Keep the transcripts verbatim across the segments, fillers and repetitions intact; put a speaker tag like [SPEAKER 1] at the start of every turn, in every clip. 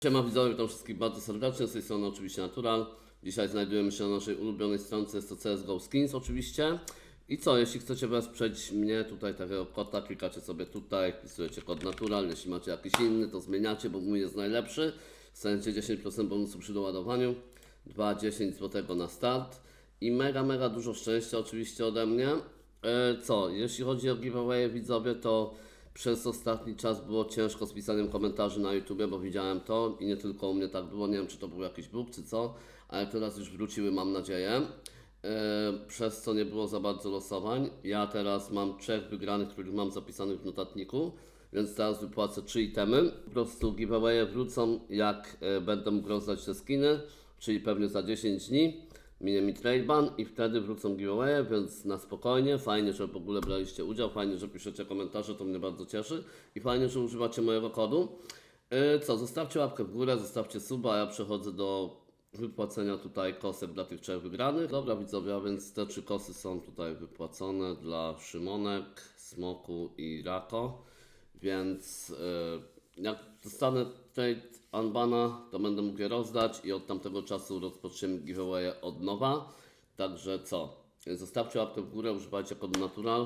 [SPEAKER 1] Siema widzowie, witam wszystkich bardzo serdecznie, z tej strony oczywiście Natural. Dzisiaj znajdujemy się na naszej ulubionej stronce, jest to C S G O Skins oczywiście. I co, jeśli chcecie wesprzeć mnie, tutaj takiego kota, klikacie sobie tutaj, wpisujecie kod Natural, jeśli macie jakiś inny, to zmieniacie, bo mój jest najlepszy. Dostaniecie dziesięć procent bonusu przy doładowaniu, dwa dziesięć złotego na start i mega, mega dużo szczęścia oczywiście ode mnie. E, co, jeśli chodzi o giveaway widzowie, to przez ostatni czas było ciężko z pisaniem komentarzy na YouTube, bo widziałem to i nie tylko u mnie tak było, nie wiem czy to był jakiś bóg czy co, ale teraz już wróciły, mam nadzieję, yy, przez co nie było za bardzo losowań. Ja teraz mam trzech wygranych, których mam zapisanych w notatniku, więc teraz wypłacę trzy itemy. Po prostu giveawaye wrócą jak yy, będę mógł rozdać te skiny, czyli pewnie za dziesięć dni. Minie mi trade ban i wtedy wrócą giveawaye, więc na spokojnie. Fajnie, że w ogóle braliście udział, fajnie, że piszecie komentarze, to mnie bardzo cieszy i fajnie, że używacie mojego kodu. Yy, co, zostawcie łapkę w górę, zostawcie suba, a ja przechodzę do wypłacenia tutaj kosek dla tych trzech wygranych. Dobra widzowie, a więc te trzy kosy są tutaj wypłacone dla Szymonek, Smoku i Rako, więc yy, jak dostanę trade unbana, to będę mógł je rozdać i od tamtego czasu rozpoczniemy giveaway od nowa. Także co? Zostawcie łapkę w górę, używajcie kodu Natural,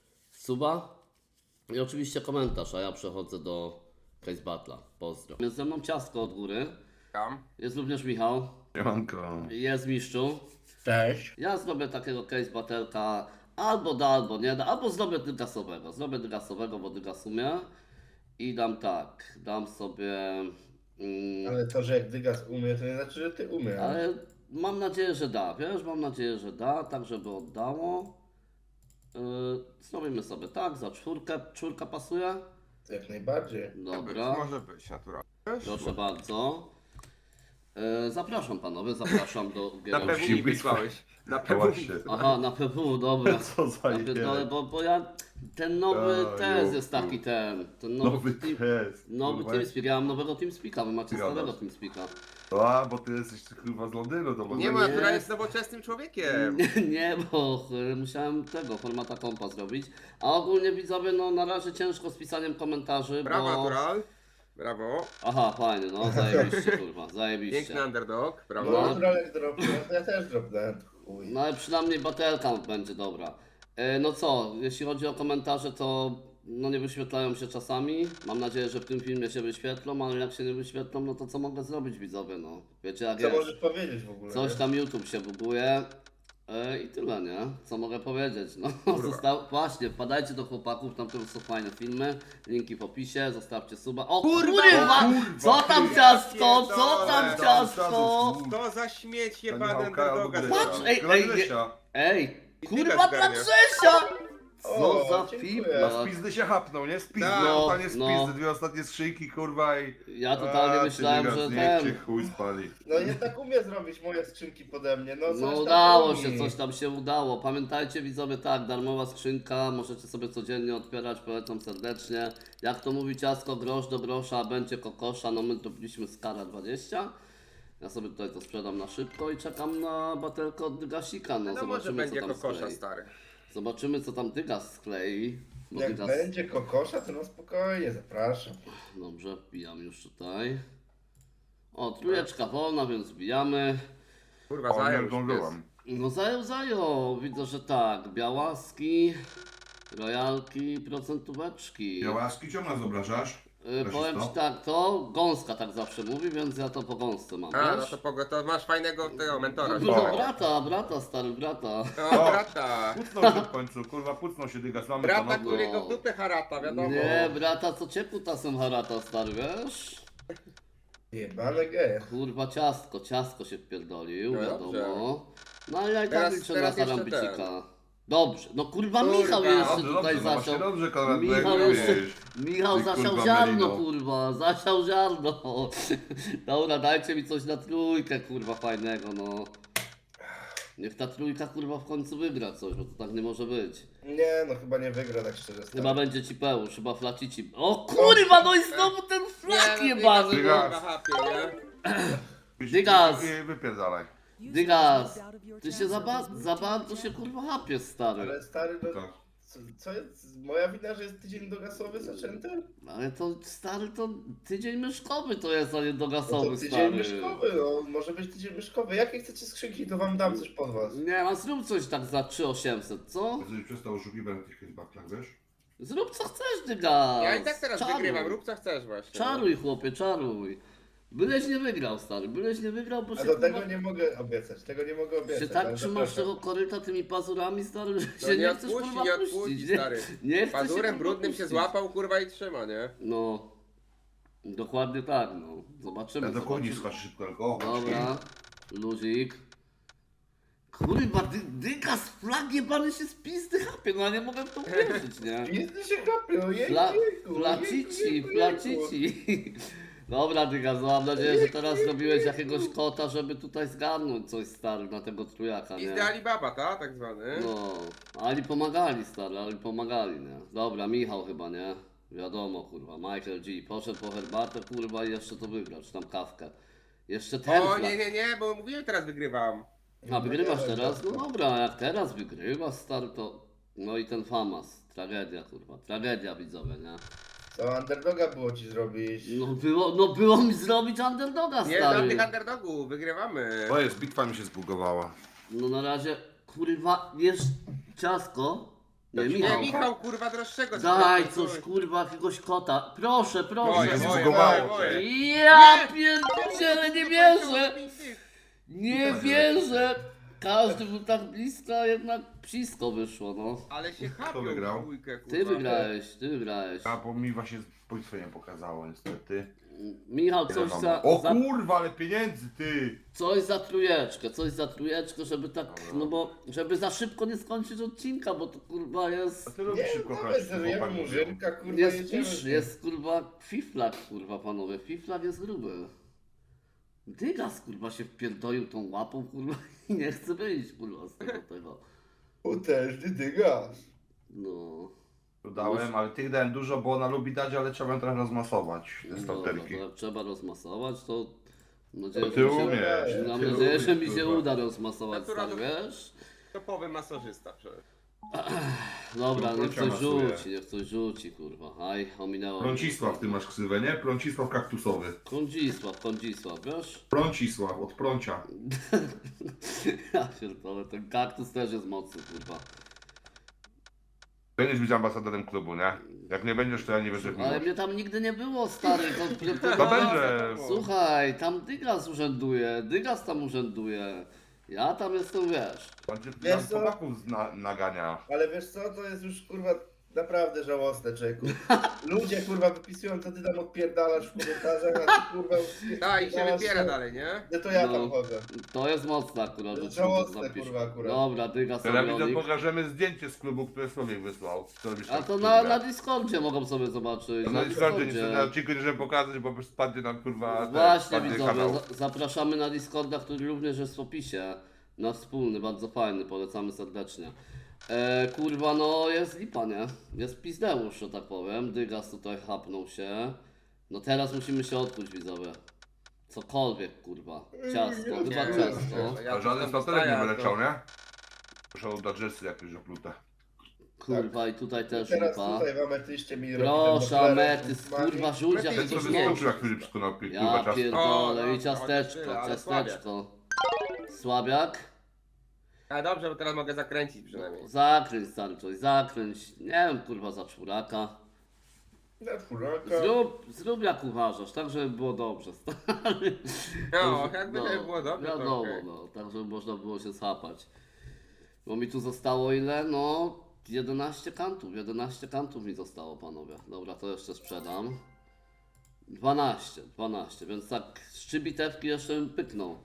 [SPEAKER 1] suba i oczywiście komentarz, a ja przechodzę do Case Battle'a. Pozdro. Jest ze mną Ciastko od góry.
[SPEAKER 2] Tam.
[SPEAKER 1] Jest również Michał.
[SPEAKER 3] Siemanko.
[SPEAKER 1] Jest Miszczu.
[SPEAKER 4] Cześć.
[SPEAKER 1] Ja zrobię takiego Case Battle'ka albo da, albo nie da, albo zrobię dygasowego. Zrobię dygasowego, bo dygas umie. I dam tak, dam sobie... Mm,
[SPEAKER 4] Ale to, że jak Dygas umie, to nie znaczy, że ty umiesz.
[SPEAKER 1] Ale mam nadzieję, że da, wiesz, mam nadzieję, że da, tak żeby oddało. Yy, zrobimy sobie tak, za czwórkę, czwórka pasuje?
[SPEAKER 4] Jak najbardziej.
[SPEAKER 1] Dobra,
[SPEAKER 2] Może być naturalnie.
[SPEAKER 1] proszę bardzo. Yy, zapraszam panowie, zapraszam do
[SPEAKER 2] Na
[SPEAKER 1] gier.
[SPEAKER 2] pewno mi wysłałeś. Na
[SPEAKER 3] No
[SPEAKER 2] pewno mi
[SPEAKER 3] właśnie.
[SPEAKER 2] wysłałeś.
[SPEAKER 1] Aha, na P W, dobra.
[SPEAKER 3] Co za
[SPEAKER 1] Na pierdolę,
[SPEAKER 3] idea.
[SPEAKER 1] bo, bo ja, ten nowy
[SPEAKER 3] A,
[SPEAKER 1] test
[SPEAKER 3] jo.
[SPEAKER 1] jest taki ten, ten nowy,
[SPEAKER 3] Nowy
[SPEAKER 1] team,
[SPEAKER 3] test.
[SPEAKER 1] nowy
[SPEAKER 3] kurwa.
[SPEAKER 1] TeamSpeak, ja mam nowego TeamSpeaka, wy macie
[SPEAKER 3] Gadasz.
[SPEAKER 1] starego TeamSpeaka.
[SPEAKER 3] A, bo ty jesteś chyba z Londynu, to może
[SPEAKER 2] Nie,
[SPEAKER 1] ma-
[SPEAKER 2] bo
[SPEAKER 1] Nie.
[SPEAKER 2] natura jest nowoczesnym człowiekiem.
[SPEAKER 1] Nie, nie, bo y, musiałem tego formata kompa zrobić. A ogólnie widzowie, no na razie ciężko z pisaniem komentarzy,
[SPEAKER 2] Brawo,
[SPEAKER 1] bo...
[SPEAKER 2] natural. Brawo.
[SPEAKER 1] Aha, fajnie, no zajebiście kurwa,
[SPEAKER 2] Piękny
[SPEAKER 1] zajebiście.
[SPEAKER 2] underdog.
[SPEAKER 4] No,
[SPEAKER 2] Brawo.
[SPEAKER 4] natural jak dropnął, to ja też dropnąłem. Chuj.
[SPEAKER 1] No ale przynajmniej batelka będzie dobra. E, no co, jeśli chodzi o komentarze, to no nie wyświetlają się czasami. Mam nadzieję, że w tym filmie się wyświetlą, ale jak się nie wyświetlą, no to co mogę zrobić widzowie, no. Wiecie jak
[SPEAKER 4] Co
[SPEAKER 1] jest.
[SPEAKER 4] możesz powiedzieć w ogóle?
[SPEAKER 1] Coś
[SPEAKER 4] nie?
[SPEAKER 1] tam YouTube się buguje. E, I tyle, nie? Co mogę powiedzieć? No, został... Właśnie, wpadajcie do chłopaków, tam to są fajne filmy. Linki w opisie, zostawcie suba. O kurwa!
[SPEAKER 2] Kurwa!
[SPEAKER 1] Co tam
[SPEAKER 2] Ja
[SPEAKER 1] ciastko? Co tam
[SPEAKER 2] pierdolę.
[SPEAKER 1] ciastko?
[SPEAKER 2] To za śmieć
[SPEAKER 3] To
[SPEAKER 2] jebany
[SPEAKER 3] Michałka albo
[SPEAKER 2] underdoga.
[SPEAKER 3] Gryza.
[SPEAKER 1] Patrz, ej,
[SPEAKER 3] Dla
[SPEAKER 1] ej,
[SPEAKER 3] Grzesia.
[SPEAKER 1] Ej,
[SPEAKER 2] I
[SPEAKER 1] kurwa
[SPEAKER 2] tyle
[SPEAKER 1] dla
[SPEAKER 2] zgarnia.
[SPEAKER 1] Grzesia! Co
[SPEAKER 4] O,
[SPEAKER 1] za
[SPEAKER 4] dziękuję.
[SPEAKER 1] fibra?
[SPEAKER 3] Z pizdy się hapnął, nie? Z pizdy,
[SPEAKER 2] Tak.
[SPEAKER 3] no, totalnie z
[SPEAKER 1] No.
[SPEAKER 3] pizdy. Dwie ostatnie skrzynki, kurwa i...
[SPEAKER 1] Ja totalnie
[SPEAKER 3] A,
[SPEAKER 1] myślałem,
[SPEAKER 3] ty,
[SPEAKER 1] że
[SPEAKER 3] Dygas,
[SPEAKER 1] ten...
[SPEAKER 3] niech cię chuj spali.
[SPEAKER 4] No nie tak umie zrobić moje skrzynki pode mnie. No, coś
[SPEAKER 1] No
[SPEAKER 4] tam
[SPEAKER 1] udało
[SPEAKER 4] umie.
[SPEAKER 1] się, coś tam się udało. Pamiętajcie widzowie, tak, darmowa skrzynka, możecie sobie codziennie otwierać, polecam serdecznie. Jak to mówi ciasko, grosz do grosza, będzie kokosza, no my zrobiliśmy skara dwadzieścia. Ja sobie tutaj to sprzedam na szybko i czekam na batelkę od Dygasika, no
[SPEAKER 2] No może
[SPEAKER 1] zobaczymy
[SPEAKER 2] będzie
[SPEAKER 1] co tam
[SPEAKER 2] kokosza,
[SPEAKER 1] sklei.
[SPEAKER 2] stary.
[SPEAKER 1] Zobaczymy co tam Dygas sklei. Bo
[SPEAKER 4] Jak
[SPEAKER 1] Dygas...
[SPEAKER 4] będzie kokosza, to no spokojnie, zapraszam.
[SPEAKER 1] Dobrze, wbijam już tutaj. O, trójeczka wolna, więc wbijamy.
[SPEAKER 2] Kurwa,
[SPEAKER 3] O,
[SPEAKER 2] zajął
[SPEAKER 3] nie
[SPEAKER 2] już pies.
[SPEAKER 3] zdążyłem.
[SPEAKER 1] No zajął, zajął. Widzę, że tak. Białaski, rojalki, procentóweczki.
[SPEAKER 3] Białaski ciągle zobrażasz?
[SPEAKER 1] Yy, powiem ci tak, to gąska tak zawsze mówi, więc ja to po gąsce mam,
[SPEAKER 2] A, no
[SPEAKER 1] wiesz?
[SPEAKER 2] to, pogo- to masz fajnego tego mentora.
[SPEAKER 1] No,
[SPEAKER 3] O.
[SPEAKER 1] brata, brata, stary brata.
[SPEAKER 2] O, brata.
[SPEAKER 3] Pucnął się w końcu, kurwa, pucnął się Dygas. Mamy
[SPEAKER 2] Brata,
[SPEAKER 3] panowie.
[SPEAKER 2] którego w dupę harata, wiadomo.
[SPEAKER 1] Nie, brata, co cię kutasem harata, stary, wiesz?
[SPEAKER 4] Jebane geje.
[SPEAKER 1] Kurwa, ciastko, ciastko się wpierdolił,
[SPEAKER 2] No
[SPEAKER 1] wiadomo.
[SPEAKER 2] dobrze.
[SPEAKER 1] No ale ja i tak
[SPEAKER 2] Teraz-
[SPEAKER 1] liczę na
[SPEAKER 2] teraz jeszcze
[SPEAKER 1] zarambicika. Dobrze, no kurwa,
[SPEAKER 2] Kurwa.
[SPEAKER 1] Michał jeszcze
[SPEAKER 3] Dobrze,
[SPEAKER 1] tutaj
[SPEAKER 3] dobrze, no
[SPEAKER 1] zaczął.
[SPEAKER 3] właśnie dobrze, Konrad,
[SPEAKER 1] Michał
[SPEAKER 3] bo jak
[SPEAKER 1] jeszcze,
[SPEAKER 3] mówisz.
[SPEAKER 1] Michał
[SPEAKER 3] Ty,
[SPEAKER 1] zasiał
[SPEAKER 3] kurwa,
[SPEAKER 1] ziarno,
[SPEAKER 3] Melino.
[SPEAKER 1] kurwa, zasiał ziarno. Dobra, dajcie mi coś na trójkę, kurwa, fajnego, no. Niech ta trójka, kurwa, w końcu wygra coś, bo to tak nie może być.
[SPEAKER 4] Nie, no chyba nie wygra tak szczerze. stary.
[SPEAKER 1] Chyba będzie ci pełż, chyba flacici. O kurwa, no i znowu ten flak
[SPEAKER 2] Nie, no,
[SPEAKER 1] jebany,
[SPEAKER 2] Dygas,
[SPEAKER 1] no.
[SPEAKER 2] kurwa, hapie, nie?
[SPEAKER 1] Dygas.
[SPEAKER 3] I wypierdalaj.
[SPEAKER 1] Dygas, ty się za, ba za bardzo się kurwa hapiesz, stary.
[SPEAKER 4] Ale stary, no,
[SPEAKER 3] Tak.
[SPEAKER 4] Co, co jest? Moja wina, że jest tydzień dogasowy zaczęty?
[SPEAKER 1] Ale to stary, to tydzień myszkowy to jest, a nie
[SPEAKER 4] No
[SPEAKER 1] dogasowy,
[SPEAKER 4] to tydzień
[SPEAKER 1] stary.
[SPEAKER 4] myszkowy, no może być tydzień myszkowy. Jakie chcecie skrzynki, to wam dam coś pod was.
[SPEAKER 1] Nie, a zrób coś tak za trzy tysiące osiemset, co?
[SPEAKER 3] Żebyś przestał oszukiwać na tych hitbackach, wiesz?
[SPEAKER 1] Zrób co chcesz, dyga.
[SPEAKER 2] Ja i tak teraz
[SPEAKER 1] Czaruj.
[SPEAKER 2] wygrywam, rób co chcesz właśnie. no.
[SPEAKER 1] Czaruj, chłopie, czaruj. Byleś nie wygrał, stary, byleś nie wygrał, bo
[SPEAKER 4] A
[SPEAKER 1] się
[SPEAKER 4] do
[SPEAKER 1] kurwa-
[SPEAKER 4] tego nie mogę obiecać, tego nie mogę obiecać.
[SPEAKER 1] się tak
[SPEAKER 4] ale
[SPEAKER 1] trzymasz
[SPEAKER 4] zapraszam.
[SPEAKER 1] tego koryta tymi pazurami, stary, że
[SPEAKER 2] No
[SPEAKER 1] się
[SPEAKER 2] nie
[SPEAKER 1] nie chcesz
[SPEAKER 2] odpuści,
[SPEAKER 1] kurwa
[SPEAKER 2] nie
[SPEAKER 1] puścić,
[SPEAKER 2] odpuści,
[SPEAKER 1] nie?
[SPEAKER 2] stary.
[SPEAKER 1] Nie chcesz
[SPEAKER 2] Pazurem
[SPEAKER 1] kurwa,
[SPEAKER 2] brudnym się
[SPEAKER 1] puścić.
[SPEAKER 2] złapał, kurwa i trzyma, nie?
[SPEAKER 1] No, dokładnie tak, no. Zobaczymy,
[SPEAKER 3] Ja do koni
[SPEAKER 1] zobaczymy.
[SPEAKER 3] skacz szybko, tylko o,
[SPEAKER 1] Dobra, luzik. Kurwa, dy, dyga z flagi pany się z pizdy chapie, no ja nie mogę w to uwierzyć, nie?
[SPEAKER 4] Jest się kapie, ojej,
[SPEAKER 1] Fla,
[SPEAKER 4] jejku,
[SPEAKER 1] flacici,
[SPEAKER 4] jejku, jejku,
[SPEAKER 1] flacici. Dobra, dyga, no mam nadzieję, że teraz zrobiłeś jakiegoś kota, żeby tutaj zgarnąć coś, stary, na tego trójaka, nie?
[SPEAKER 2] Pizdy Alibaba, ta? Tak zwany.
[SPEAKER 1] No, ali pomagali, stary, ali pomagali, nie? Dobra, Michał chyba, nie? Wiadomo, kurwa, Michael G. Poszedł po herbatę, kurwa, i jeszcze to wygrał, czy tam kawkę. Jeszcze ten
[SPEAKER 2] O
[SPEAKER 1] flag.
[SPEAKER 2] nie, nie, nie, bo mówiłem teraz wygrywam.
[SPEAKER 1] A wygrywasz
[SPEAKER 4] No nie,
[SPEAKER 1] teraz? No
[SPEAKER 4] no.
[SPEAKER 1] dobra, jak teraz wygrywasz, stary, to... No i ten famas, tragedia, kurwa, tragedia, widzowie, nie?
[SPEAKER 4] Co underdoga było ci zrobić?
[SPEAKER 1] No było, no było mi zrobić underdoga,
[SPEAKER 2] Nie,
[SPEAKER 1] stary.
[SPEAKER 2] żadnych underdogów, wygrywamy.
[SPEAKER 3] O jest, bitwa mi się zbugowała.
[SPEAKER 1] No na razie, kurwa, jesz ciasko? Nie,
[SPEAKER 3] Nie,
[SPEAKER 2] Nie,
[SPEAKER 1] Michał.
[SPEAKER 2] Michał, kurwa, droższego.
[SPEAKER 1] Daj
[SPEAKER 2] sprzedał,
[SPEAKER 1] coś, kurwa, jakiegoś kota. Proszę,
[SPEAKER 2] Moje,
[SPEAKER 1] proszę.
[SPEAKER 3] Moje,
[SPEAKER 2] moje,
[SPEAKER 3] zbugowało
[SPEAKER 2] moje,
[SPEAKER 3] się.
[SPEAKER 2] moje.
[SPEAKER 1] Ja pierdzielę, nie wierzę! Nie
[SPEAKER 3] Tak,
[SPEAKER 1] wierzę! Każdy był tak blisko, a jednak psisko wyszło, no.
[SPEAKER 2] Ale się chapią
[SPEAKER 3] wygrał?
[SPEAKER 2] w dwójkę, kurwa.
[SPEAKER 1] Ty wygrałeś, ty wygrałeś.
[SPEAKER 3] A bo mi właśnie bitwę nie pokazało niestety.
[SPEAKER 1] Michał, coś za,
[SPEAKER 3] O
[SPEAKER 1] za,
[SPEAKER 3] kurwa, ale pieniędzy ty!
[SPEAKER 1] coś za trójeczkę, coś za trójeczkę, żeby tak, no bo, żeby za szybko nie skończyć odcinka, bo to kurwa
[SPEAKER 3] A
[SPEAKER 1] jest,
[SPEAKER 3] ty lubisz
[SPEAKER 4] Nie,
[SPEAKER 3] szybko
[SPEAKER 4] no
[SPEAKER 3] grać.
[SPEAKER 4] zerujemy murzynka, kurwa,
[SPEAKER 1] jest
[SPEAKER 4] jedziemy.
[SPEAKER 1] pisz, jest kurwa fiflak, kurwa panowie, fiflak jest gruby. Dygas kurwa się wpierdolił tą łapą, kurwa, i nie chce wyjść, kurwa, z tego tego.
[SPEAKER 4] Potężny dygas.
[SPEAKER 1] No.
[SPEAKER 3] Dodałem, ale tych dałem dużo, bo ona lubi dać, ale trzeba ją trochę rozmasować, te
[SPEAKER 1] Dobra,
[SPEAKER 3] starterki.
[SPEAKER 1] to jak trzeba rozmasować, to mam nadzieję,
[SPEAKER 3] To
[SPEAKER 1] że
[SPEAKER 3] ty
[SPEAKER 1] mi się,
[SPEAKER 3] umiesz,
[SPEAKER 1] mam
[SPEAKER 3] ty
[SPEAKER 1] nadzieję, że mi
[SPEAKER 3] umiesz,
[SPEAKER 1] się
[SPEAKER 3] kurwa.
[SPEAKER 1] uda rozmasować,
[SPEAKER 2] Natura
[SPEAKER 1] stary,
[SPEAKER 2] do-
[SPEAKER 1] wiesz?
[SPEAKER 2] Topowy masażysta przecież.
[SPEAKER 1] Dobra,
[SPEAKER 3] No,
[SPEAKER 1] niech
[SPEAKER 3] Proncia
[SPEAKER 1] coś
[SPEAKER 3] masuje.
[SPEAKER 1] rzuci, niech coś rzuci, kurwa. Aj, ominęło.
[SPEAKER 3] Prącisław, ty masz ksywę, nie? Prącisław kaktusowy.
[SPEAKER 1] Kądzisław, Kądzisław, wiesz?
[SPEAKER 3] Prącisław, od prącia.
[SPEAKER 1] Ja pierdolę, ten kaktus też jest mocny, kurwa.
[SPEAKER 3] Będziesz być ambasadorem klubu, nie? Jak nie będziesz, to ja nie będę
[SPEAKER 1] Ale
[SPEAKER 3] miłość.
[SPEAKER 1] mnie tam nigdy nie było, stary. To, to,
[SPEAKER 3] To będzie.
[SPEAKER 1] Słuchaj, tam Dygas urzęduje, Dygas tam urzęduje. Ja tam jestem, wiesz.
[SPEAKER 3] Będzie
[SPEAKER 4] Wiesz
[SPEAKER 3] nam
[SPEAKER 4] co?
[SPEAKER 3] chłopaków zna, nagania.
[SPEAKER 4] Ale wiesz co, to jest już kurwa naprawdę żałosne, człowieku. Ludzie kurwa wypisują, co ty tam odpierdalasz w komentarzach, a ty kurwa...
[SPEAKER 2] Tak, i się
[SPEAKER 4] odpierdalasz,
[SPEAKER 2] wybiera
[SPEAKER 4] co-
[SPEAKER 2] dalej, nie?
[SPEAKER 4] No to ja
[SPEAKER 1] No.
[SPEAKER 4] tam chodzę.
[SPEAKER 1] To jest mocne akurat.
[SPEAKER 4] To jest
[SPEAKER 1] że człowiek
[SPEAKER 4] żałosne,
[SPEAKER 1] zapisze.
[SPEAKER 4] kurwa, akurat.
[SPEAKER 1] Dobra, Dygas
[SPEAKER 3] Teraz widzę,
[SPEAKER 1] Orionik.
[SPEAKER 3] pokażemy zdjęcie z klubu, które Słowik wysłał. Co robisz
[SPEAKER 1] A
[SPEAKER 3] tam
[SPEAKER 1] to
[SPEAKER 3] w
[SPEAKER 1] na,
[SPEAKER 3] klubie?
[SPEAKER 1] na Discordzie mogą sobie zobaczyć.
[SPEAKER 3] To na Discordzie, nie chcę na odcinku nie żeby pokazać, bo spadnie nam kurwa ten,
[SPEAKER 1] Właśnie
[SPEAKER 3] spadnie
[SPEAKER 1] widzowie,
[SPEAKER 3] kanał.
[SPEAKER 1] za, zapraszamy na Discorda, który również jest w opisie. Na wspólny, bardzo fajny, polecamy serdecznie. E, kurwa, no jest lipa, nie? Jest pizdeusz, że tak powiem. Dygas tutaj chapnął się. No teraz musimy się odkuć, widzowie. Cokolwiek, kurwa. Ciasto, chyba
[SPEAKER 2] Nie,
[SPEAKER 1] ciasto.
[SPEAKER 2] ja
[SPEAKER 3] A żaden
[SPEAKER 2] tam
[SPEAKER 3] starterek nie
[SPEAKER 2] dostaję,
[SPEAKER 3] wyleciał,
[SPEAKER 2] to-
[SPEAKER 3] nie? Muszą dać drzesy jakieś oplute.
[SPEAKER 1] Kurwa, i tutaj też
[SPEAKER 4] Teraz
[SPEAKER 1] lipa.
[SPEAKER 4] tutaj w ametyście mi
[SPEAKER 1] Proszę, ametys, kurwa, rzuć
[SPEAKER 2] Lepiej
[SPEAKER 1] jak
[SPEAKER 3] Ten co
[SPEAKER 1] coś
[SPEAKER 2] nie.
[SPEAKER 3] wyskoczył
[SPEAKER 1] nie.
[SPEAKER 3] jak Filip skonał kurwa
[SPEAKER 1] Ja
[SPEAKER 3] ciasto.
[SPEAKER 2] O,
[SPEAKER 1] pierdolę,
[SPEAKER 2] no,
[SPEAKER 1] i ciasteczko,
[SPEAKER 2] tyle, ale
[SPEAKER 1] ciasteczko. Słabiak?
[SPEAKER 2] A dobrze, bo teraz mogę zakręcić przynajmniej.
[SPEAKER 1] Zakręć stary coś, zakręć. Nie wiem, kurwa, za czwóraka.
[SPEAKER 4] Na czwóraka.
[SPEAKER 1] Zrób, zrób jak uważasz, tak żeby było dobrze, stary.
[SPEAKER 2] No, jakby to było dobrze, to
[SPEAKER 1] Wiadomo,
[SPEAKER 2] okej.
[SPEAKER 1] no, tak żeby można było się schapać. Bo mi tu zostało ile? No, jedenaście kantów, jedenaście kantów mi zostało, panowie. Dobra, to jeszcze sprzedam. dwanaście, dwanaście, więc tak trzy bitewki jeszcze bym pyknął.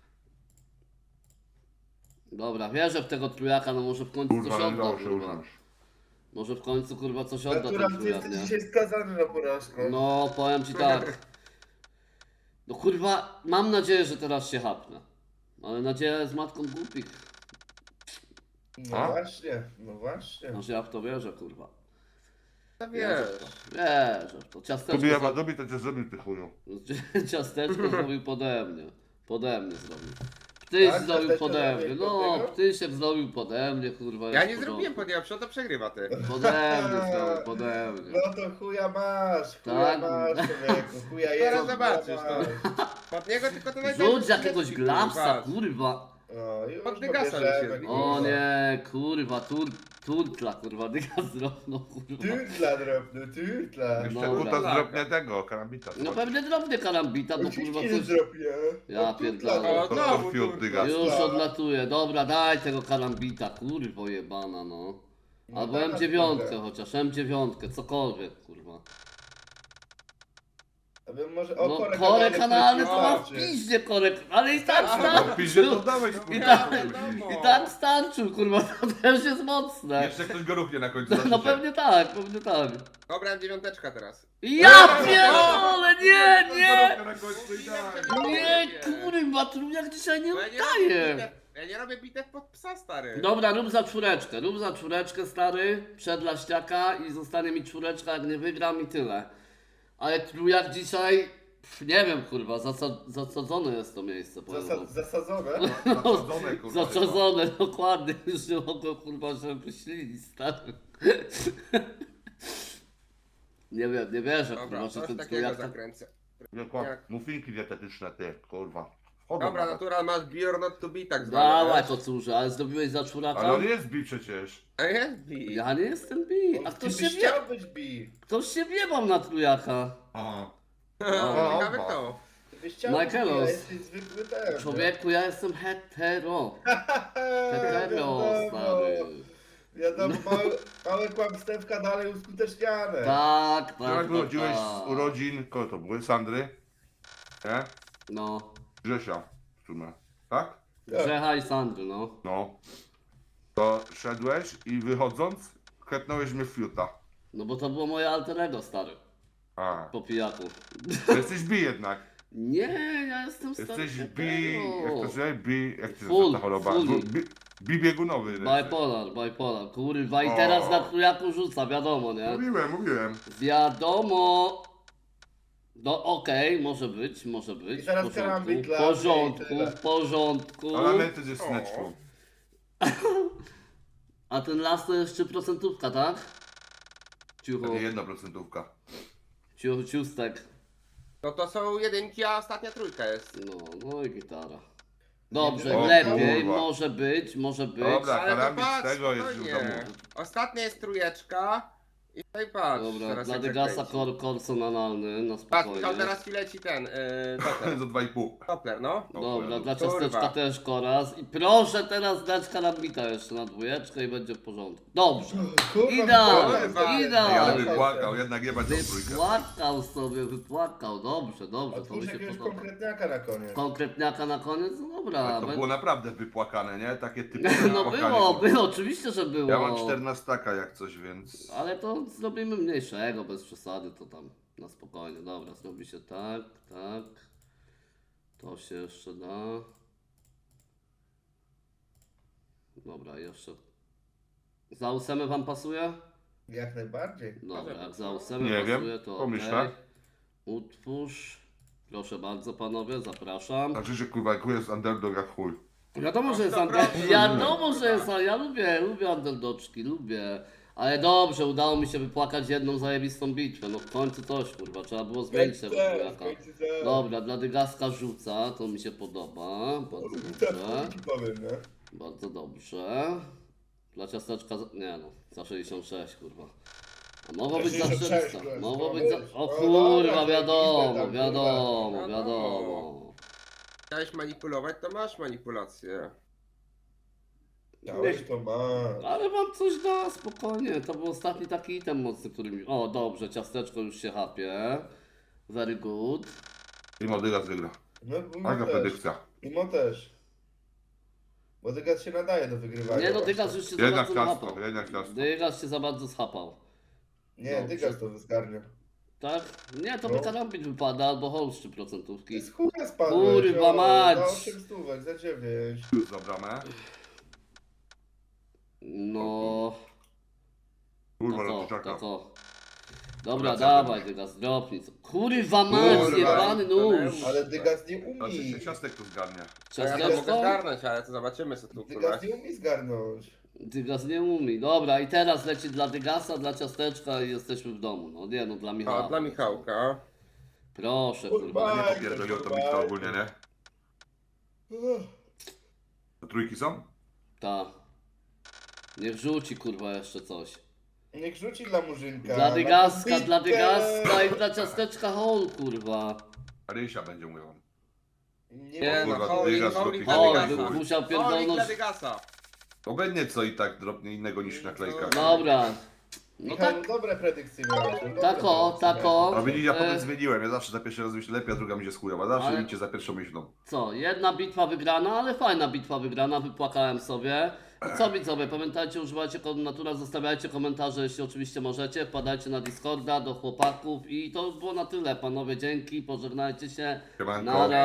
[SPEAKER 1] Dobra, wierzę w tego trójaka, no może w końcu
[SPEAKER 3] Kurwa,
[SPEAKER 1] coś
[SPEAKER 3] nie dało
[SPEAKER 1] odda,
[SPEAKER 3] się
[SPEAKER 1] kurwa.
[SPEAKER 3] uznać.
[SPEAKER 1] Może w końcu, kurwa, coś odda ten
[SPEAKER 4] Natural, ty
[SPEAKER 1] trójak,
[SPEAKER 4] jesteś
[SPEAKER 1] nie?
[SPEAKER 4] dzisiaj skazany na porażkę.
[SPEAKER 1] No, powiem ci tak. No kurwa, mam nadzieję, że teraz się hapnę. Ale nadzieja jest matką głupich.
[SPEAKER 4] No
[SPEAKER 3] A?
[SPEAKER 4] właśnie, no właśnie.
[SPEAKER 1] Znaczy ja w to wierzę, kurwa.
[SPEAKER 2] No
[SPEAKER 1] Wierzę
[SPEAKER 2] wiesz.
[SPEAKER 1] w to. Wierzę w to.
[SPEAKER 3] Kubi
[SPEAKER 1] Ciasteczko,
[SPEAKER 3] ja dobi, to cię zrobił ty chuju.
[SPEAKER 1] za... Ciasteczko zrobił pode mnie. Pode mnie zrobił. Ptyś
[SPEAKER 4] Tak?
[SPEAKER 1] zrobił
[SPEAKER 4] Też
[SPEAKER 1] pode
[SPEAKER 4] zrobiłeś
[SPEAKER 1] mnie,
[SPEAKER 4] pod
[SPEAKER 1] no,
[SPEAKER 4] niego?
[SPEAKER 1] Ptysiek zrobił pode mnie, kurwa.
[SPEAKER 2] Ja
[SPEAKER 1] jest
[SPEAKER 2] nie
[SPEAKER 1] w
[SPEAKER 2] zrobiłem
[SPEAKER 1] porządku.
[SPEAKER 2] pod to przegrywa ty.
[SPEAKER 1] Pode mnie zrobił, pode mnie.
[SPEAKER 4] No to chuja masz, chuja
[SPEAKER 1] Tak.
[SPEAKER 4] masz człowieku, chuja jest.
[SPEAKER 2] Teraz
[SPEAKER 4] chuja
[SPEAKER 2] zobaczysz,
[SPEAKER 4] masz.
[SPEAKER 2] Pod niego tylko to najpierw...
[SPEAKER 1] Rzuć jakiegoś glapsa, kurwa.
[SPEAKER 4] No już
[SPEAKER 2] Od Dygasa
[SPEAKER 4] pobierzemy,
[SPEAKER 2] już jest.
[SPEAKER 1] O
[SPEAKER 4] kurwa.
[SPEAKER 1] nie, kurwa, tur, turtla, kurwa, dyga zrobno, kurwa.
[SPEAKER 4] Turtla drobny, turtla.
[SPEAKER 3] Jeszcze
[SPEAKER 1] Dobra.
[SPEAKER 3] kuta zrobię tego, karambita.
[SPEAKER 1] No pewnie drobnie karambita, bo kurwa
[SPEAKER 4] Oczywiście nie
[SPEAKER 1] coś...
[SPEAKER 4] zrobię.
[SPEAKER 1] Ja
[SPEAKER 4] Od turtla
[SPEAKER 1] pierdolę.
[SPEAKER 4] drobny.
[SPEAKER 2] O,
[SPEAKER 3] To
[SPEAKER 2] znowu
[SPEAKER 3] to fiut
[SPEAKER 2] turtla.
[SPEAKER 3] dygas.
[SPEAKER 1] Już odlatuje, dobra, daj tego karambita, kurwo jebana, no. Albo
[SPEAKER 4] No
[SPEAKER 1] M
[SPEAKER 4] teraz
[SPEAKER 1] dziewięć
[SPEAKER 4] mogę.
[SPEAKER 1] chociaż, M dziewięć, cokolwiek, kurwa.
[SPEAKER 4] A bym może, o,
[SPEAKER 1] No
[SPEAKER 4] korek
[SPEAKER 1] korek kanalny to ma w
[SPEAKER 4] wystarczy.
[SPEAKER 1] piździe korek, ale i tak
[SPEAKER 3] No
[SPEAKER 1] starczył.
[SPEAKER 3] pisze to dałeś,
[SPEAKER 1] I
[SPEAKER 3] kurwa.
[SPEAKER 1] tak, i tak starczył, kurwa, to też jest mocne.
[SPEAKER 3] Jeszcze ktoś go ruchnie na końcu.
[SPEAKER 1] No
[SPEAKER 3] zobaczycie.
[SPEAKER 1] pewnie tak, pewnie tak.
[SPEAKER 2] Dobra, dziewiąteczka teraz.
[SPEAKER 1] Ja pierdolę, nie, nie!
[SPEAKER 3] Na końcu idealnie.
[SPEAKER 1] Nie, kurwa, trójak dzisiaj nie
[SPEAKER 2] Bo ja nie robię
[SPEAKER 1] udaje.
[SPEAKER 2] bitew, ja nie robię bitew pod psa, stary.
[SPEAKER 1] Dobra, rób za czwóreczkę, rób za czwóreczkę, stary, przed laściaka i zostanie mi czwóreczka, jak nie wygram i tyle. Ale trójak dzisiaj, pff, nie wiem, kurwa, zasa zasadzone jest to miejsce, powiem wam.
[SPEAKER 4] Zasa- zasadzone?
[SPEAKER 3] Zasadzone, kurwa.
[SPEAKER 1] Zaczadzone, dokładnie, już nie mogę, kurwa, żeby wyślili, stary. Nie wiem, nie wierzę,
[SPEAKER 2] Dobra,
[SPEAKER 1] kurwa, że
[SPEAKER 2] coś
[SPEAKER 1] ten
[SPEAKER 2] takiego
[SPEAKER 1] trójak tak...
[SPEAKER 2] zakręcę.
[SPEAKER 3] Wielko,
[SPEAKER 2] Jak?
[SPEAKER 3] Muffinki dietetyczne, ty, kurwa. Wchodzą
[SPEAKER 2] Dobra,
[SPEAKER 3] nawet.
[SPEAKER 2] natural masz beer not to be tak zwany.
[SPEAKER 1] Dawaj,
[SPEAKER 2] wiesz?
[SPEAKER 1] kocurze, ale zrobiłeś za czwóraka?
[SPEAKER 3] Ale on jest bi przecież.
[SPEAKER 2] A jest beer.
[SPEAKER 1] Ja nie jestem bi, a
[SPEAKER 4] Ty
[SPEAKER 1] ktoś się
[SPEAKER 4] byś
[SPEAKER 1] wie,
[SPEAKER 4] chciał być bi.
[SPEAKER 1] ktoś się wiebał na trójaka.
[SPEAKER 3] Aha.
[SPEAKER 2] O, ciekawe
[SPEAKER 3] o,
[SPEAKER 2] kto.
[SPEAKER 4] Ty byś chciał być bi, a
[SPEAKER 1] Michaelos.
[SPEAKER 4] jesteś zwykły ten.
[SPEAKER 1] Człowieku, ja jestem hetero. Hetero,
[SPEAKER 4] Wiadomo,
[SPEAKER 1] stary.
[SPEAKER 4] wiadomo, małe, małe kłamstewka dalej uskuteczniane.
[SPEAKER 1] Tak, tak,
[SPEAKER 3] Jak
[SPEAKER 1] tak,
[SPEAKER 3] wychodziłeś
[SPEAKER 1] tak.
[SPEAKER 3] z urodzin, kogo to były? Sandry? Nie?
[SPEAKER 1] No,
[SPEAKER 3] Grzesia w sumie. Tak?
[SPEAKER 1] Grzecha i Sandry, no.
[SPEAKER 3] No. To szedłeś i wychodząc, klepnąłeś mnie w fiuta.
[SPEAKER 1] No bo to było moje alter ego, stary,
[SPEAKER 3] A.
[SPEAKER 1] po pijaku.
[SPEAKER 3] To jesteś bi jednak.
[SPEAKER 1] Nie, ja jestem stary
[SPEAKER 3] Jesteś bi... Jak to się bi... Jak to
[SPEAKER 1] Full,
[SPEAKER 3] jest ta choroba?
[SPEAKER 1] fully.
[SPEAKER 3] Bi, bi biegunowy. jesteś.
[SPEAKER 1] Bipolar, bipolar, kurwa i
[SPEAKER 3] O.
[SPEAKER 1] teraz na trójaku rzuca, wiadomo, nie?
[SPEAKER 3] Mówiłem, mówiłem.
[SPEAKER 1] Wiadomo. No okej, może być, może być.
[SPEAKER 4] I teraz
[SPEAKER 1] w porządku,
[SPEAKER 4] karambit
[SPEAKER 1] w
[SPEAKER 4] dla
[SPEAKER 1] porządku,
[SPEAKER 4] mnie i tyle.
[SPEAKER 1] w porządku.
[SPEAKER 3] Ale my też jest sneczką.
[SPEAKER 1] A ten las to jeszcze procentówka, tak? Ciuchu,
[SPEAKER 3] Takie jedna procentówka.
[SPEAKER 1] ciuchu, ciustek.
[SPEAKER 2] No to są jedynki, a ostatnia trójka jest.
[SPEAKER 1] No, no i gitara. Dobrze,
[SPEAKER 3] O
[SPEAKER 1] lepiej,
[SPEAKER 3] kurwa.
[SPEAKER 1] może być, może być.
[SPEAKER 3] Dobra.
[SPEAKER 2] Ale to
[SPEAKER 3] karambit z
[SPEAKER 2] patrz,
[SPEAKER 3] tego jest
[SPEAKER 2] spokojnie.
[SPEAKER 3] już domu.
[SPEAKER 2] Ostatnia jest trójeczka. I tutaj patrz.
[SPEAKER 1] Dobra,
[SPEAKER 2] teraz
[SPEAKER 1] dla
[SPEAKER 2] jak
[SPEAKER 1] Degasa
[SPEAKER 2] zakręci.
[SPEAKER 1] kor, korson analny, na
[SPEAKER 2] Patrz,
[SPEAKER 1] spokojnie.
[SPEAKER 2] Michał, teraz ci leci ten, yy, Doppler.
[SPEAKER 3] Za dwa i pół.
[SPEAKER 2] Doppler, no.
[SPEAKER 1] Dobra, dla
[SPEAKER 2] Kurwa.
[SPEAKER 1] ciasteczka też koraz. I proszę teraz dać karambita jeszcze na dwójeczkę i będzie w porządku. Dobrze.
[SPEAKER 4] Kurwa,
[SPEAKER 1] Idealnie,
[SPEAKER 2] kurwa.
[SPEAKER 1] idealnie.
[SPEAKER 3] Ja
[SPEAKER 1] Ale
[SPEAKER 3] bym płakał, jednak jebać tą trójkę.
[SPEAKER 1] Wypłakał sobie, wypłakał. Dobrze, dobrze, to mi
[SPEAKER 4] Otwórz
[SPEAKER 1] się
[SPEAKER 4] jakiegoś
[SPEAKER 1] podoba.
[SPEAKER 4] konkretniaka na koniec.
[SPEAKER 1] Konkretniaka na koniec? No dobra.
[SPEAKER 3] Ale to
[SPEAKER 1] będzie-
[SPEAKER 3] było naprawdę wypłakane, nie? Takie typowe
[SPEAKER 1] No
[SPEAKER 3] wypłakanie
[SPEAKER 1] było, było, oczywiście, że było.
[SPEAKER 3] Ja mam czternastaka jak coś, więc...
[SPEAKER 1] Ale to zrobimy mniejszego, bez przesady, to tam na spokojnie. Dobra, zrobi się tak, tak. To się jeszcze da. Dobra, jeszcze. Za ósemę wam pasuje?
[SPEAKER 4] Jak najbardziej.
[SPEAKER 1] Dobra, jak za ósemę
[SPEAKER 3] Nie wiem,
[SPEAKER 1] pasuje, to
[SPEAKER 3] pomyślę.
[SPEAKER 1] okej. Utwórz. Proszę bardzo panowie, zapraszam.
[SPEAKER 3] Znaczy, że kurwa, jak jest underdog jak chuj.
[SPEAKER 1] Wiadomo, że jest
[SPEAKER 2] sto
[SPEAKER 1] under...
[SPEAKER 2] procent.
[SPEAKER 1] Wiadomo, że jest, ale ja lubię, lubię underdoczki, lubię. Ale dobrze, udało mi się wypłakać jedną zajebistą bitwę. No w końcu coś, kurwa, trzeba było zmienić tego trójaka. Dobra, dla Dygaska rzuca, to mi się podoba. Bardzo dobrze.
[SPEAKER 4] Tak ci powiem, nie?
[SPEAKER 1] Bardzo dobrze. Dla ciasteczka, za... nie no, za sześćdziesiąt sześć, kurwa. A mogło być za
[SPEAKER 4] sześćdziesiąt sześć,
[SPEAKER 1] czterysta.
[SPEAKER 4] kurwa,
[SPEAKER 1] Mogło być
[SPEAKER 4] być.
[SPEAKER 1] za... O
[SPEAKER 4] No
[SPEAKER 1] kurwa,
[SPEAKER 4] dobra,
[SPEAKER 1] wiadomo,
[SPEAKER 4] zajebiste tam,
[SPEAKER 1] wiadomo,
[SPEAKER 2] kurwa.
[SPEAKER 1] wiadomo.
[SPEAKER 2] Chciałeś manipulować, to masz manipulację.
[SPEAKER 4] Dałeś to masz.
[SPEAKER 1] Ale wam coś da, spokojnie. To był ostatni taki item mocny, który mi... O, dobrze, ciasteczko już się chapie. Very good.
[SPEAKER 3] I Modygas wygra.
[SPEAKER 4] No,
[SPEAKER 3] Aga
[SPEAKER 4] Imo też.
[SPEAKER 3] predykcja.
[SPEAKER 4] Imo też. Bo Dygas się nadaje do wygrywania.
[SPEAKER 1] Nie no,
[SPEAKER 4] właśnie.
[SPEAKER 1] Dygas już się za
[SPEAKER 3] Jednak
[SPEAKER 1] bardzo
[SPEAKER 3] ciasto,
[SPEAKER 1] złapał.
[SPEAKER 3] jednak ciasto.
[SPEAKER 1] Dygas się za bardzo schapał.
[SPEAKER 4] Nie,
[SPEAKER 1] Dobrze.
[SPEAKER 4] Dygas to wyskarnia.
[SPEAKER 1] Tak? Nie, to
[SPEAKER 4] No.
[SPEAKER 1] by karambit wypada, albo holszczy
[SPEAKER 4] To
[SPEAKER 1] procentówki.
[SPEAKER 4] jest chuja spadłeś.
[SPEAKER 1] Kurwa
[SPEAKER 4] o,
[SPEAKER 1] mać.
[SPEAKER 4] Za osiem stówek, za dziewięć.
[SPEAKER 3] Już za bramę.
[SPEAKER 1] No...
[SPEAKER 3] Kurwa,
[SPEAKER 1] Tak o,
[SPEAKER 3] lotyczaka.
[SPEAKER 1] tak o. Dobra,
[SPEAKER 3] Wracam
[SPEAKER 1] dawaj, Dygas, dropnij. co- Kurwa mać,
[SPEAKER 2] Kurwa,
[SPEAKER 1] jebany nóż.
[SPEAKER 4] Ale Dygas nie
[SPEAKER 3] Znaczy się
[SPEAKER 4] umie.
[SPEAKER 3] ciastek tu zgarnia.
[SPEAKER 2] Ja to mogę
[SPEAKER 1] Ciasteczko?
[SPEAKER 2] zgarnąć, ale to zobaczymy co tu kurwa.
[SPEAKER 4] Dygas nie umie zgarnąć.
[SPEAKER 1] Dygas nie umie. Dobra, i teraz leci dla Dygasa, dla ciasteczka i jesteśmy w domu. No nie, no dla Michała.
[SPEAKER 2] O, dla Michałka.
[SPEAKER 1] Proszę,
[SPEAKER 4] Kurwa.
[SPEAKER 1] kurwa.
[SPEAKER 3] Nie popierdoliło to Michał ogólnie, nie?
[SPEAKER 4] Uff.
[SPEAKER 3] To trójki są?
[SPEAKER 1] Ta. Niech rzuci, kurwa, jeszcze coś.
[SPEAKER 4] Niech rzuci dla Murzynka.
[SPEAKER 1] Dla
[SPEAKER 4] Na
[SPEAKER 1] Dygaska,
[SPEAKER 4] podbitkę.
[SPEAKER 1] dla Dygaska i dla ciasteczka hol, kurwa.
[SPEAKER 3] Rysia będzie mówił.
[SPEAKER 4] Nie,
[SPEAKER 2] Nie
[SPEAKER 4] ma-
[SPEAKER 2] no,
[SPEAKER 3] kurwa,
[SPEAKER 2] holik,
[SPEAKER 3] Dygas
[SPEAKER 2] holik
[SPEAKER 3] robi
[SPEAKER 2] dla
[SPEAKER 1] O,
[SPEAKER 3] holik.
[SPEAKER 2] Dygasa.
[SPEAKER 1] by musiał
[SPEAKER 2] Holik dla
[SPEAKER 1] pierdolnąć.
[SPEAKER 2] Dygasa.
[SPEAKER 3] Obecnie co i tak dropnie innego niż naklejka.
[SPEAKER 1] Dobra. No
[SPEAKER 4] Michał,
[SPEAKER 1] tak,
[SPEAKER 4] dobre predykcje miałeś. no dobre
[SPEAKER 1] tako,
[SPEAKER 4] predykcje
[SPEAKER 1] tako.
[SPEAKER 3] A widzicie, ja potem
[SPEAKER 1] E,
[SPEAKER 3] zmieniłem. Ja zawsze za pierwszy raz myślę lepiej, a druga mi się skujowa. Zawsze
[SPEAKER 1] Ale-
[SPEAKER 3] idźcie za pierwszą myślą.
[SPEAKER 1] Co, jedna bitwa wygrana, ale fajna bitwa wygrana, wypłakałem sobie. I co widzowie, pamiętajcie, używajcie kodu Natura, zostawiajcie komentarze, jeśli oczywiście możecie, wpadajcie na Discorda do chłopaków i to było na tyle, panowie, dzięki, pożegnajcie się.
[SPEAKER 3] Siemanko.
[SPEAKER 1] Nara.